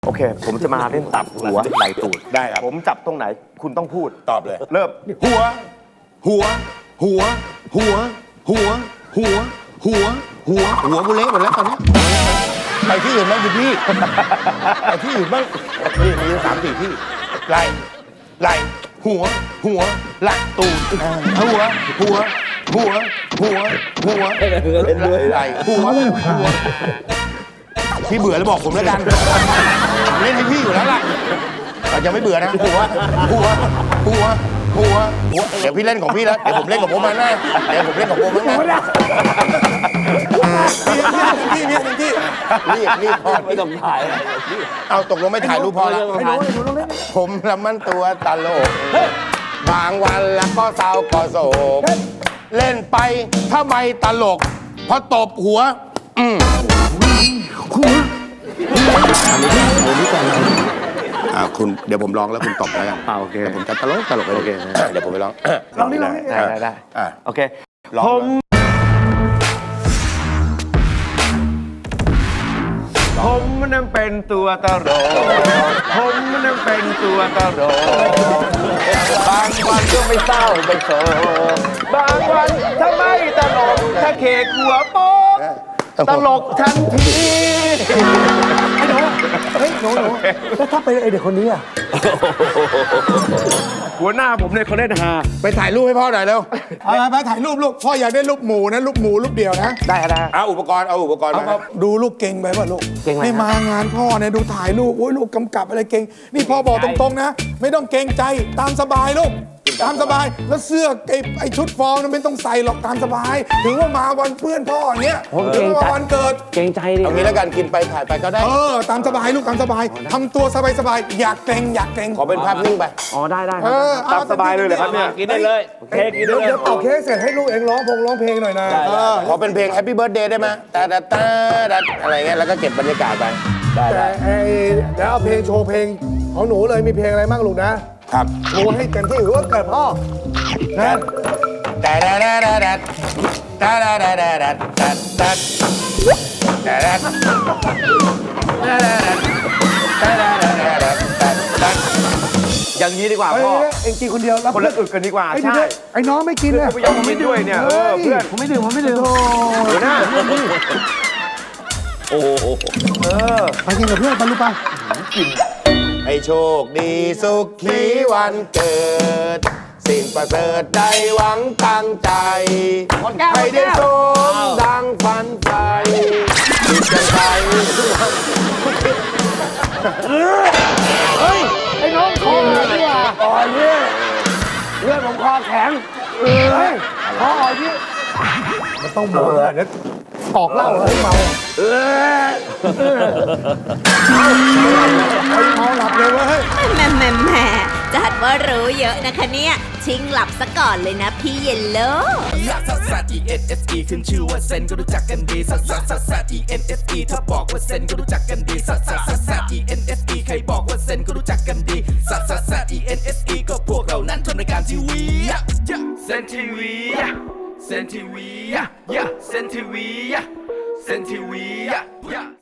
โอเค ผมจะมาเล่นตับหัวไหล่ตูดได้ครับผมจับตรงไหนคุณต้องพูดตอบเลยเริ่มหัว หัว หัว หัว หัว หัว หัว หัว หัวกูเละหมดแล้วตอนนี้ไปที่อื่นบ้างคุณพี่ไปที่อื่นบ้างนี่มี3-4 ที่ไหลไหลหัว หัวไหล่ตูดหัว หัว หัว หัว หัวไหลหัวหัวพี่เบื่อแล้วบอกผมแล้วกันผมเล่นให้พี่อยู่แล้วล่ะเราจะไม่เบื่อนะหัว หัว หัว หัว หัว เดี๋ยวพี่เล่นของพี่แล้ว เดี๋ยวผมเล่นของผมมาหน้าเดี๋ยวผมเล่นของผมมาหน้าพี่พอไม่ต้องถ่ายเอาตกลงไม่ถ่ายรูปพอแล้วผมละมันตัวตลกบางวันแล้วก็เศร้าก็โศกเล่นไปถ้าไม่ตลกพอตบหัวคุณเดี๋ยวผมร้องแล้วคุณตบแล้วกันโอเคผมจะตลกโอเคเดี๋ยวผมไปร้องลองนี่ได้โอเคผมนั่นเป็นตัวตลกผมนั่นเป็นตัวตลกบางวันก็ไม่เศร้าไม่โศกบางวันถ้าไม่ตลกถ้าเคกหัวโป๊กตลกทันทีเฮ้ยหนูแล้วถ้าเป็นไอเด็กคนนี้อ่ะหัวหน้าผมเนี่ยเขาเล่นฮาไปถ่ายรูปให้พ่อหน่อยเร็วไปถ่ายรูปลูกพ่ออยากได้รูปหมูนะรูปหมูรูปเดียวนะได้เอาอุปกรณ์มาดูลูกเก่งไปป่ะลูกเก่งไหมนี่มางานพ่อเนี่ยดูถ่ายลูกโอ้ยลูกกำกับอะไรเก่งนี่พ่อบอกตรงๆนะไม่ต้องเกรงใจตามสบายลูกตามสบายแล้วเสื้อไอชุดฟองนั้นไม่ต้องใส่หรอกตามสบายถึงว่ามาวันเพื่อนพ่ออย่างเงี้ยถึงว่าวันเกิดเกรงใจดิเอางี้แล้วกันกินไปถ่ายไปก็ได้ตามสบายลูกตามสบายทำตัวสบายอยากเกรงขอเป็นภาพนิ่งไปได้ตามสบายเลยเหรอครับเนี่ยกินได้เลยเค้กกินได้เลยเดี๋ยวต่อเค้กเสร็จให้ลูกเองร้องเพลงหน่อยนะขอเป็นเพลง Happy Birthday ได้ไหมตาอะไรเงี้ยแล้วก็เก็บบรรยากาศไปได้แล้วเอาเพลงโชว์เพลงของหนูเลยมีเพลงอะไรบ้างลูกนะครับหนูให้เต็มที่ถือว่าเกิดพ่อนะอย่างนี้ดีกว่าพ่อเองกินคนเดียวแล้วคนละอึกกันดีกว่าใช่ไอ้น้องไม่กินเลยผมไม่ด้วยเนี่ยเพื่อนผมไม่ดื่มหัวหน้าโอ้ไปกินกับเพื่อนไปลูกไปกินให้โชคดีสุขีวันเกิดสิ่งประเสริฐได้หวังตั้งใจให้ได้สมดังฝันใฝ่จิตใจเฮ้ยไอ้น้องคออ่อนดีกว่าอ่อนเนี่ยเลือดผมคอแข็งคออ่อนนี่มันต้องเบื่อเนี่ยออกเหล้าให้เมาเมาหลับเลยเว้ยแหมจัดว่ารู้เยอะนะคะเนี่ยชิงหลับซะก่อนเลยนะพี่เยลโล่ลักซัสซัส E-N-S-E ขึ้นชื่อว่าเซนก็รู้จักกันดีซัสซัสซัสซัส E-N-S-E ถ้าบอกว่าเซนก็รู้จักกันดีซัสซัสซัสซัส E-N-S-E ใครบอกว่าเซนก็รู้จักกันดีซัสซัสซัส E-N-S-E ก็พวกเรานั้นทำรายการทีวีเซนทีวีเซนทีวีเซนทีวีเซนทีวี